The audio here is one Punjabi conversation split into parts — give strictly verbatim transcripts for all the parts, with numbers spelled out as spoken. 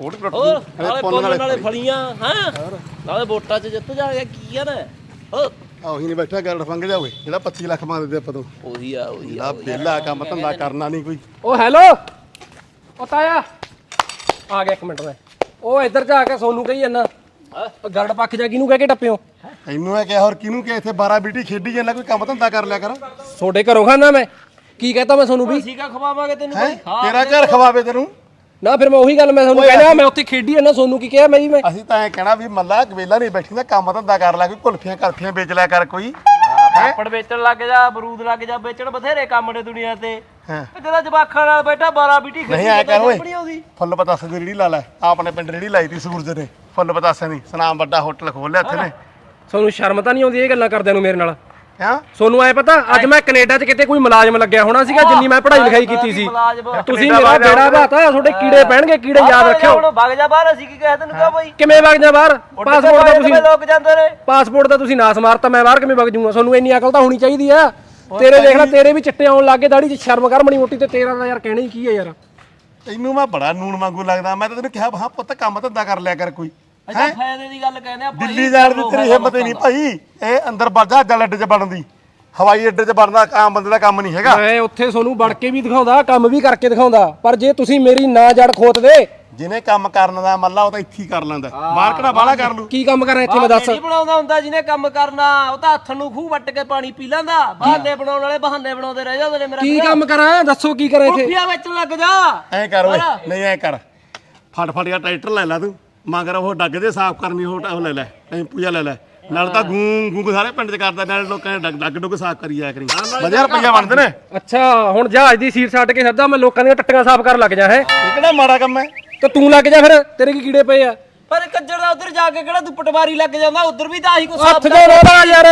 ਕੋਟ ਟੁੱਟ ਹੋਰ ਜੂ ਨਾਲੇ ਪੁੰਨ ਨਾਲੇ ਫਲੀਆਂ ਹਾਂ ਨਾਲੇ ਵੋਟਾਂ 'ਚ ਜਿੱਤ ਜਾ ਗਿਆ ਕੀ ਆ ਨਾ ਹੋ ਉਹੀ ਨਹੀਂ ਬੈਠਾ ਗੱਲ ਫੰਗ ਜਾਓਗੇ ਜਿਹੜਾ ਪੱਚੀ ਲੱਖ ਮੰਗਦੇ ਆਪਾਂ ਤੋਂ ਉਹੀ ਆ ਉਹੀ ਲਾ ਬੇਲਾ ਕੰਮ ਧੰਦਾ ਕਰਨਾ ਨਹੀਂ ਕੋਈ। ਉਹ ਹੈਲੋ ਉਹ ਤਾਇਆ ਆ ਗਿਆ ਇੱਕ ਮਿੰਟ ਮੈਂ ਉਹ ਇੱਧਰ ਜਾ ਕੇ ਸੋਨੂੰ ਕਹੀ ਜਾਂਦਾ ਗਰੜ ਪੱਖ ਜਾ ਕਿਹਨੂੰ ਕਹਿ ਕੇ ਟੱਪਿਓ ਇਹਨੂੰ ਇਹ ਕਿਹਾ ਹੋਰ ਕਿਹਨੂੰ ਕਿ ਇੱਥੇ ਬਾਰਾਂ ਬੀਟੀ ਖੇਡੀ ਜਾਂਦਾ ਕੋਈ ਕੰਮ ਧੰਦਾ ਕਰ ਲਿਆ ਕਰ। ਤੁਹਾਡੇ ਘਰੋਂ ਖਾਣਾ ਮੈਂ ਕੀ ਕਹਤਾ ਮੈਂ ਸੋਨੂੰ ਵੀ ਸੀਗਾ ਖਵਾਵਾਂਗੇ ਤੈਨੂੰ ਹੈਂ? ਕੋਈ ਤੇਰਾ ਘਰ ਖਵਾਵੇ ਤੈਨੂੰ ਨਾ ਫਿਰ ਮੈਂ ਉਹੀ ਗੱਲ ਮੈਂ ਤੁਹਾਨੂੰ ਕਹਿਣਾ ਮੈਂ ਉੱਥੇ ਖੇਡੀ ਜਾਂਦਾ ਸੋਨੂੰ ਕੀ ਕਿਹਾ ਮੈਂ ਜੀ ਮੈਂ ਅਸੀਂ ਤਾਂ ਐ ਕਹਿਣਾ ਵੀ ਮੱਲਾ ਕਵੇਲਾ ਨਹੀਂ ਬੈਠੀ ਦਾ ਕੰਮ ਧੰਦਾ ਕਰ ਲਿਆ ਕੋਈ ਕੁਲਫੀਆਂ ਕਰਫੀਆਂ ਵੇਚ ਲਿਆ ਕਰ ਕੋਈ। ਪਾਪੜ ਵੇਚਣ ਲੱਗ ਜਾ ਬਰੂਦ ਲੱਗ ਜਾ ਵੇਚਣ ਬਥੇਰੇ ਕੰਮ ਨੇ ਦੁਨੀਆ ਤੇ ਹਾਂ ਜਿਹੜਾ ਜਵਾਖਾਂ ਨਾਲ ਬੈਠਾ ਬਾਰਾਂ ਬੀਟੀ ਨਹੀਂ ਐ ਕਰ ਓਏ ਫੁੱਲ ਪਤਾਸੇ ਦੀ ਰੇੜੀ ਲਾ ਲੈ ਆਪਣੇ ਪਿੰਡ ਰੇੜੀ ਲਾਈ ਤੀ ਸੂਰਜ ਨੇ ਫੁੱਲ ਪਤਾਸੇ ਦੀ ਸਨਾਮ ਵੱਡਾ ਹੋਟਲ ਖੋਲ ਲਿਆ ਇੱਥੇ ਨੇ। ਸੋਨੂੰ ਸ਼ਰਮ ਤਾਂ ਨਹੀਂ ਆਉਂਦੀ ਇਹ ਗੱਲਾਂ ਕਰਦਿਆਂ ਨੂੰ ਮੇਰੇ ਨਾਲ ਹਾਂ ਸੋਨੂੰ ਐ ਪਤਾ ਅੱਜ ਮੈਂ ਕੈਨੇਡਾ 'ਚ ਕਿਤੇ ਕੋਈ ਮੁਲਾਜ਼ਮ ਲੱਗਿਆ ਹੋਣਾ ਸੀਗਾ ਜਿੰਨੀ ਮੈਂ ਪੜ੍ਹਾਈ ਲਿਖਾਈ ਕੀਤੀ ਸੀ ਤੁਸੀਂ ਮੇਰਾ ਬੇੜਾ ਬਾਤਾ ਤੁਹਾਡੇ ਕੀੜੇ ਪੈਣਗੇ ਕੀੜੇ ਯਾਦ ਰੱਖਿਓ ਹੁਣ ਵਗ ਜਾ ਬਾਹਰ ਅਸੀਂ ਕੀ ਕਹਿ ਤੈਨੂੰ ਕਿਹਾ ਬਾਈ ਕਿਵੇਂ ਵਗ ਜਾ ਬਾਹਰ ਪਾਸਪੋਰਟ ਦਾ ਤੁਸੀਂ ਲੋਕ ਜਾਂਦੇ ਨੇ ਪਾਸਪੋਰਟ ਦਾ ਤੁਸੀਂ ਨਾਸ ਮਾਰਤਾ ਮੈਂ ਬਾਹਰ ਕਿਵੇਂ ਵਗ ਜੂਗਾ ਤੁਹਾਨੂੰ ਇੰਨੀ ਅਕਲ ਤਾਂ ਹੋਣੀ ਚਾਹੀਦੀ ਆ ਤੇਰੇ ਦੇਖ ਲੈ ਤੇਰੇ ਵੀ ਚਿੱਟੇ ਆਉਣ ਲੱਗੇ ਦਾੜੀ 'ਚ ਸ਼ਰਮ ਕਰ ਮਣੀ ਮੋਟੀ ਤੇ ਤੇਰਾ ਤਾਂ ਯਾਰ ਕਹਿਣਾ ਹੀ ਕੀ ਆ ਯਾਰ ਤੈਨੂੰ ਮੈਂ ਬੜਾ ਨੂਣ ਵਾਂਗੂ ਲੱਗਦਾ ਮੈਂ ਤਾਂ ਤੈਨੂੰ ਕਿਹਾ ਹਾਂ ਪੁੱਤ ਕੰਮ ਧੰਦਾ ਕਰ ਲਿਆ ਕਰ ਕੋਈ। ਅੱਛਾ ਫਾਇਦੇ ਦੀ ਗੱਲ ਕਹਿੰਦੇ ਆ ਭਾਈ ਦਿੱਲੀ ਜਾਣ ਦੀ ਤੇਰੀ ਹਿੰਮਤ ਹੀ ਨਹੀਂ ਭਾਈ ਇਹ ਅੰਦਰ ਵਰਜਾ ਜਲ ਅੱਡੇ 'ਚ ਬਣਦੀ ਹਵਾਈ ਅੱਡੇ 'ਚ ਬਣਦਾ ਆਮ ਬੰਦੇ ਦਾ ਕੰਮ ਨਹੀਂ ਹੈਗਾ। ਮੈਂ ਉੱਥੇ ਤੁਹਾਨੂੰ ਵੜ ਕੇ ਵੀ ਦਿਖਾਉਂਦਾ ਕੰਮ ਵੀ ਕਰਕੇ ਦਿਖਾਉਂਦਾ ਪਰ ਜੇ ਤੁਸੀਂ ਮੇਰੀ ਨਾ ਜੜ ਖੋਤ ਦੇ ਜਿਹਨੇ ਕੰਮ ਕਰਨ ਦਾ ਮੱਲਾ ਉਹ ਤਾਂ ਇੱਥੇ ਹੀ ਕਰ ਲੈਂਦਾ ਬਾਹਰ ਕਿਹੜਾ ਬਾਹਲਾ ਕਰ ਲੂ। ਕੀ ਕੰਮ ਕਰਾਂ ਇੱਥੇ ਮੈਂ ਦੱਸ ਨਹੀਂ ਬਣਾਉਂਦਾ ਹੁੰਦਾ ਜਿਹਨੇ ਕੰਮ ਕਰਨਾ ਉਹ ਤਾਂ ਹੱਥ ਨੂੰ ਖੂਹ ਵੱਟ ਕੇ ਪਾਣੀ ਪੀ ਲੈਂਦਾ ਬਹਾਨੇ ਬਣਾਉਣ ਵਾਲੇ ਬਹਾਨੇ ਬਣਾਉਂਦੇ ਰਹਿ ਜਾਂਦੇ ਨੇ ਮੇਰਾ ਕੀ ਕੰਮ ਕਰਾਂ ਦੱਸੋ ਕੀ ਕਰਾਂ ਇੱਥੇ ਕੁੱਫੀਆਂ ਵਿੱਚ ਲੱਗ ਜਾ ਐਂ ਕਰ ਓਏ ਨਹੀਂ ਐਂ ਕਰ ਫਟ ਫਟ ਜਾ ਟਰੈਕਟਰ ਲੈ ਲੈ ਤੂੰ ਮਗਰ ਉਹ ਡੱਗ ਦੇ ਸਾਫ਼ ਕਰਨੀ ਉਹ ਉਹ ਲੈ ਲੈ ਟੈਂਪੂ ਜਾ ਲੈ ਲੈ ਨਾਲ ਤਾਂ ਗੂੰ ਗੂੰ ਸਾਰੇ ਪਿੰਡ 'ਚ ਕਰਦਾ ਨਾਲ ਲੋਕਾਂ ਨੇ ਡੱਗ ਡੱਗ ਡੁੱਗ ਸਾਫ਼ ਕਰੀ ਜਾਇਆ ਕਰੀ ਵਧੀਆ ਰੁਪਈਆ ਬਣਦੇ ਨੇ। ਅੱਛਾ ਹੁਣ ਜਹਾਜ਼ ਦੀ ਸੀਟ ਛੱਡ ਕੇ ਸੱਦਾ ਮੈਂ ਲੋਕਾਂ ਦੀਆਂ ਟੱਟੀਆਂ ਸਾਫ਼ ਕਰਨ ਲੱਗ ਜਾ ਹੈ ਇਹ ਕਿਹੜਾ ਮਾੜਾ ਕੰਮ ਹੈ ਤੇ ਤੂੰ ਲੱਗ ਜਾ ਫਿਰ ਤੇਰੇ ਕੀ ਕੀੜੇ ਪਏ ਆ ਪਰ ਕੱਜਰ ਦਾ ਉਧਰ ਜਾ ਕੇ ਕਿਹੜਾ ਤੂੰ ਪਟਵਾਰੀ ਲੱਗ ਜਾਂਦਾ ਉਧਰ ਵੀ ਤਾਂ ਆਹੀ ਕੁਛ ਹੱਥ ਜੋ ਰੋਦਾ ਯਾਰ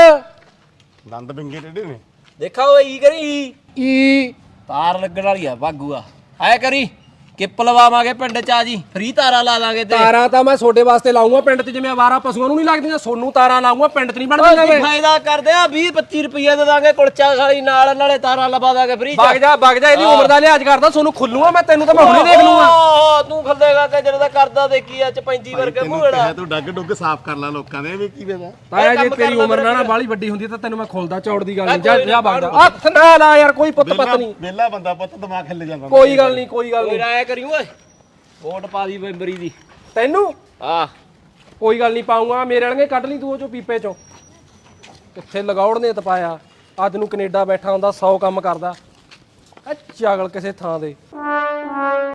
ਦੰਦ ਬਿੰਗੇ ਟੇਢੇ ਨੇ। ਦੇਖਾ ਓਏ ਈ ਕਰੀ ਈ ਤਾਰ ਲੱਗਣ ਵਾਲੀ ਆ ਬਾਗੂ ਆ ਆਇਆ ਕਰੀ ਕਿੱਪ ਲਵਾਵਾਂਗੇ ਪਿੰਡ ਚ ਆ ਜੀ ਫ੍ਰੀ ਤਾਰਾਂ ਲਾ ਦਾਂਗੇ ਤੇ ਤਾਰਾਂ ਤਾਂ ਮੈਂ ਤੁਹਾਡੇ ਵਾਸਤੇ ਲਾਉਂਗਾ ਪਿੰਡ 'ਚ ਜਿਵੇਂ ਆਵਾਰਾ ਪਸ਼ੂਆਂ ਨੂੰ ਨਹੀਂ ਲੱਗਦੀਆਂ ਸੋਨੂੰ ਤਾਰਾਂ ਲਾਉਂਗਾ ਪਿੰਡ 'ਚ ਨਹੀਂ ਬਣਦੀਆਂ ਵੇ ਫਾਇਦਾ ਕਰਦੇ ਆ ਵੀਹ ਪੱਚੀ ਰੁਪਏ ਦੇ ਦਾਂਗੇ ਕੁਲਚਾ ਖਾਲੀ ਨਾਲ ਨਾਲੇ ਤਾਰਾਂ ਲਵਾ ਦਾਂਗੇ ਫ੍ਰੀ ਵਗ ਜਾ ਵਗ ਜਾ ਇਹਦੀ ਉਮਰ ਦਾ ਲਿਹਾਜ਼ ਕਰਦਾ ਸੋਨੂੰ ਖੁੱਲੂਗਾ ਮੈਂ ਤੈਨੂੰ ਤਾਂ ਮੈਂ ਹੁਣੇ ਦੇਖ ਲੂੰਗਾ ਓਹ ਤੂੰ ਖੱਲੇਗਾ ਕਿ ਜਿਹੜਾ ਕਰਦਾ ਦੇਖੀ ਆ ਚ ਪੈਂਤੀ ਵਰਗੇ ਮੂਹੜਾ ਤੂੰ ਡੱਗ ਡੁੱਗ ਸਾਫ਼ ਕਰ ਲੈ ਲੋਕਾਂ ਦੇ ਵੀ ਕੀ ਵੇਦਾ ਤਾਇਆ ਜੇ ਤੇਰੀ ਉਮਰ ਨਾ ਨਾ ਬਾਲੀ ਵੱਡੀ ਹੁੰਦੀ ਤਾਂ ਤੈਨੂੰ ਮੈਂ ਖੁੱਲਦਾ ਚੌੜ ਦੀ ਗੱਲ ਨਹੀਂ ਜਾ ਜਾ ਵਗ ਜਾ ਹੱਥ ਨਾ ਲਾ ਯਾਰ ਕੋਈ ਪੁੱਤ ਪਤ ਨਹੀਂ ਵਿਹਲਾ ਬੰਦਾ ਪੁੱਤ ਦਿਮਾਗ ਹਿੱਲ ਜਾਂਦਾ ਕੋਈ ਗੱਲ ਨਹੀਂ ਕੋਈ ਗੱਲ ਨਹੀਂ ਰਾਇ ਕਰੀ ਓਏ ਵੋਟ ਪਾ ਦੀ ਮੈਂਬਰੀ ਦੀ ਤੈਨੂੰ ਆ ਕੋਈ ਗੱਲ ਨਹੀਂ ਪਾਉਂਗਾ ਮੇਰੇ ਵਾਲੇ ਕੱਢ ਲਈ ਤੂੰ ਉਹ ਚੋਂ ਪੀਪੇ ਚੋਂ ਕਿੱਥੇ ਲਗਾਉਣ ਨੇ ਤਪਾਇਆ ਅੱਜ ਨੂੰ ਕੈਨੇਡਾ ਬੈਠਾ ਹੁੰਦਾ ਸੌ ਕੰਮ ਕਰਦਾ ਐ ਚਾਗਲ ਕਿਸੇ ਥਾਂ ਦੇ